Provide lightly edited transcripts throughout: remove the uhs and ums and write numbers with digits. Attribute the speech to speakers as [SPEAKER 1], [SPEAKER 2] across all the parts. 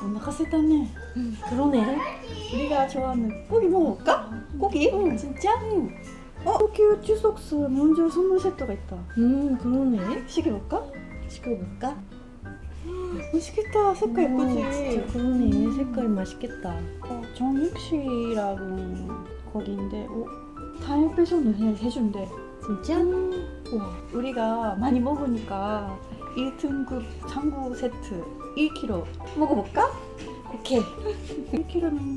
[SPEAKER 1] お腹空いたね.
[SPEAKER 2] 그러네.
[SPEAKER 1] 우리가 좋아하는 고기 먹을까?
[SPEAKER 2] 고기?
[SPEAKER 1] 응, 진짜? 응.高級 추석수 명절 선물 세트가 있다.
[SPEAKER 2] 그러네.
[SPEAKER 1] 시켜볼까?
[SPEAKER 2] 시켜볼까?
[SPEAKER 1] 맛있겠다. 색깔 예쁘지?
[SPEAKER 2] 진짜 그러네. 색깔 맛있겠다.
[SPEAKER 1] 정육 씨라는 거기인데 타임 배송을 해준대.
[SPEAKER 2] 진짜?
[SPEAKER 1] 와, 우리가 많이 먹으니까 1등급 장구 세트 1kg 먹어볼까?
[SPEAKER 2] 오케이.
[SPEAKER 1] 1kg는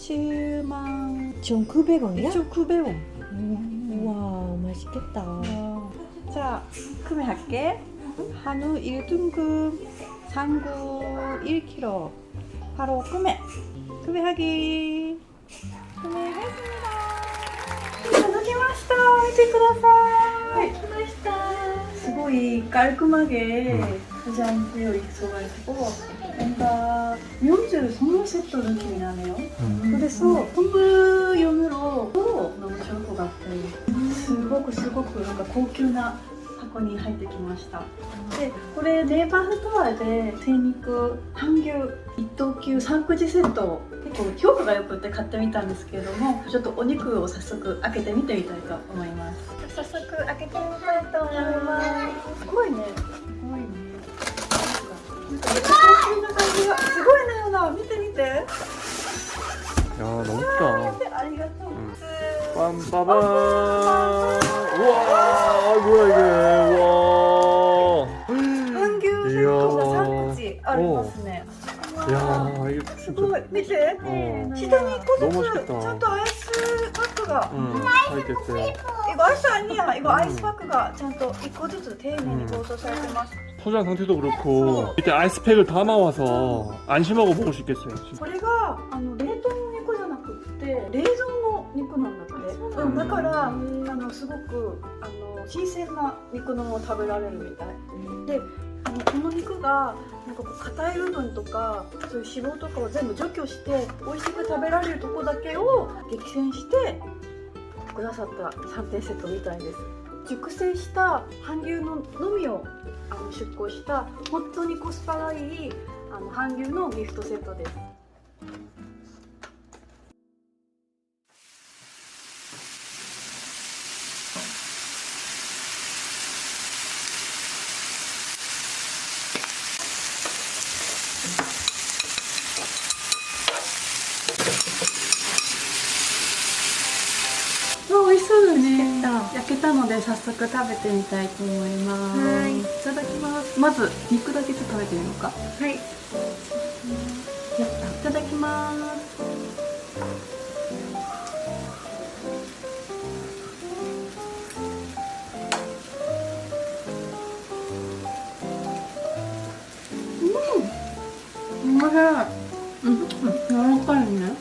[SPEAKER 2] 1,900원이야?
[SPEAKER 1] 7,900원.
[SPEAKER 2] 우와, 맛있겠다.
[SPEAKER 1] 자, 구매할게. 한우 1등급 장구 1kg. 바로 구매하기. 구매했습니다. いただきました. 見てください. 来ました. すごい 깔끔하게 포장되어 있어가지고 뭔가 명절 선물 세트 느낌이 나네요. 그래서 선물용으로 너무 좋을 것 같아요. すごくなんか高級な箱に入ってきました。で、これネイバーストアで精肉半牛一等級3口セットを結構評価が良くて買ってみたんですけれども、ちょっとお肉を早速開けてみてみたいと思います。早速開けてみたいと思います。すごいね。なんか高級な感じがすごいねよな。見て見て。
[SPEAKER 3] 야, 너무 크다.
[SPEAKER 1] ありがとう。
[SPEAKER 3] 빰빠밤. 우와, 뭐야 이게. 우와.
[SPEAKER 1] 半牛セットが3口ありますね。
[SPEAKER 3] 야, 이게
[SPEAKER 1] す
[SPEAKER 3] 진짜.
[SPEAKER 1] ごい。見て。
[SPEAKER 3] 어.
[SPEAKER 1] 下に1個
[SPEAKER 3] 너무
[SPEAKER 1] ずつ
[SPEAKER 3] 맛있겠다.
[SPEAKER 1] ちゃんとアイスパックが
[SPEAKER 3] 사이트에
[SPEAKER 1] 이거 아이스 아니야. 이거 아이스 파크가 ちゃんと1個ずつ丁寧に包装されてます。
[SPEAKER 3] 포장 상태도 그렇고 밑에 아이스팩을 담아와서 안심하고 먹을 수 있겠어요. 진짜.
[SPEAKER 1] これが冷凍の肉じゃなくって冷蔵の肉なんだって。だからすごく新鮮な肉のも食べられるみたい。でこの肉がなんかこう硬い部分とかそういう脂肪とかを全部除去して美味しく食べられるとこだけを激戦してくださった3点セットみたいです。熟成した半牛ののみを出向した本当にコスパがいい半牛のギフトセットです。美味しそうだね。焼けたので早速食べてみたいと思います。
[SPEAKER 2] はい。
[SPEAKER 1] いただきます。まず肉だけちょっと食べてみようか。
[SPEAKER 2] はい。
[SPEAKER 1] いただきます。うまい。柔らかいね。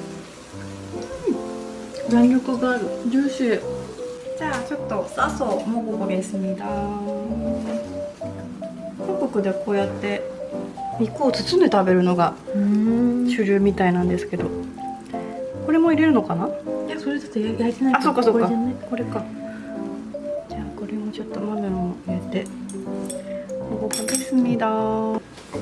[SPEAKER 1] 弾力がある。ジューシー。じゃあちょっと싸서 먹어보겠습니다。韓国ではこうやって肉を包んで食べるのが主流みたいなんですけど、これも入れるのかな？
[SPEAKER 2] いや、それだと焼いてない。
[SPEAKER 1] あ、そうかそうか。
[SPEAKER 2] これじゃない。
[SPEAKER 1] これか。じゃあこれもちょっとマメロン入れて먹어보겠습니다。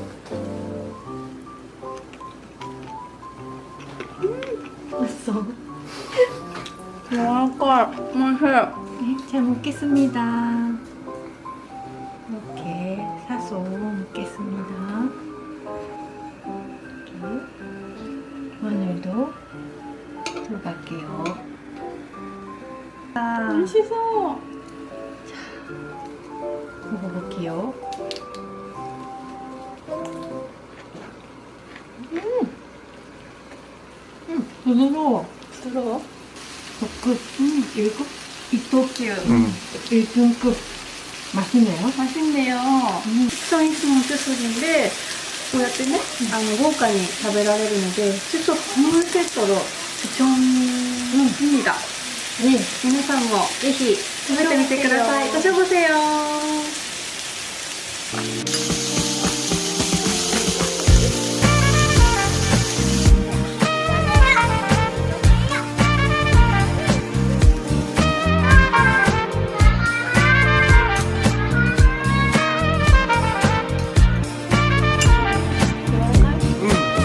[SPEAKER 2] 美味しそう。
[SPEAKER 1] 柔らかい。おいしい。
[SPEAKER 2] 잘 먹겠습니다. 이렇게 사서 먹겠습니다. 마늘도 들어갈게요.
[SPEAKER 1] 맛있어.
[SPEAKER 2] 먹어볼게요. 부드러워.
[SPEAKER 1] 부드러워?
[SPEAKER 2] 덕급. 1급? 2等級. 1등급. 맛있네요.
[SPEAKER 1] 맛있네요. 식성 있으면 추석인데 こうやってね、豪華に食べられるので、추석 선물 세트로 추천입니다.
[SPEAKER 2] 네.
[SPEAKER 1] 皆さんもぜひ食べてみてください。ご賞보세요。
[SPEAKER 3] 음,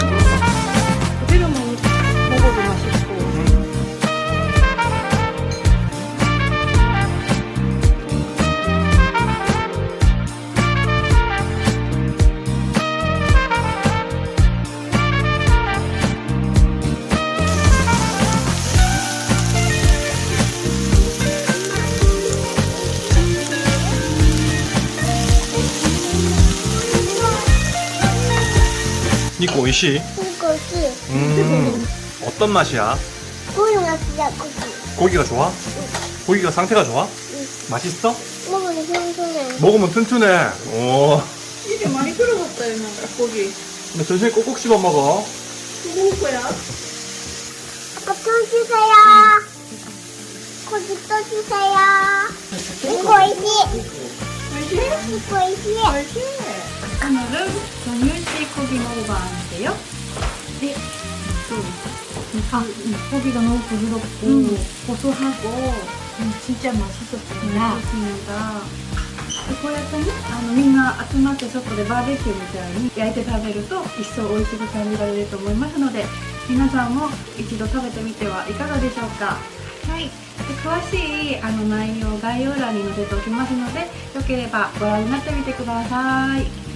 [SPEAKER 3] 니코 오이시?
[SPEAKER 4] 이거지.
[SPEAKER 3] 어떤 맛이야?
[SPEAKER 4] 고기 맛이야, 고기.
[SPEAKER 3] 고기가 좋아? 고기가 상태가 좋아? 맛있어?
[SPEAKER 4] 먹으면 평소에.
[SPEAKER 3] 먹으면 튼튼해. 오.
[SPEAKER 1] 입에 많이 들어갔다 이모 고기.
[SPEAKER 3] 근데 천천히 꼭꼭 씹어 먹어.
[SPEAKER 1] 먹을 거야?
[SPEAKER 4] 아빠 또 주세요. 고기 또 주세요. 이거 이지. 이거 이지.
[SPEAKER 1] 오늘은 정윤씨 고기 먹어봤는데요. 네.
[SPEAKER 2] 고기가 너무 부드럽고 고소하고 진짜 맛있었습니다.
[SPEAKER 1] 좋습니다.こうやってね、みんな集まって外でバーベキューみたいに焼いて食べると一層美味しく感じられると思いますので、皆さんも一度食べてみてはいかがでしょうか。はい。で詳しい内容を概要欄に載せておきますので、よければご覧になってみてください。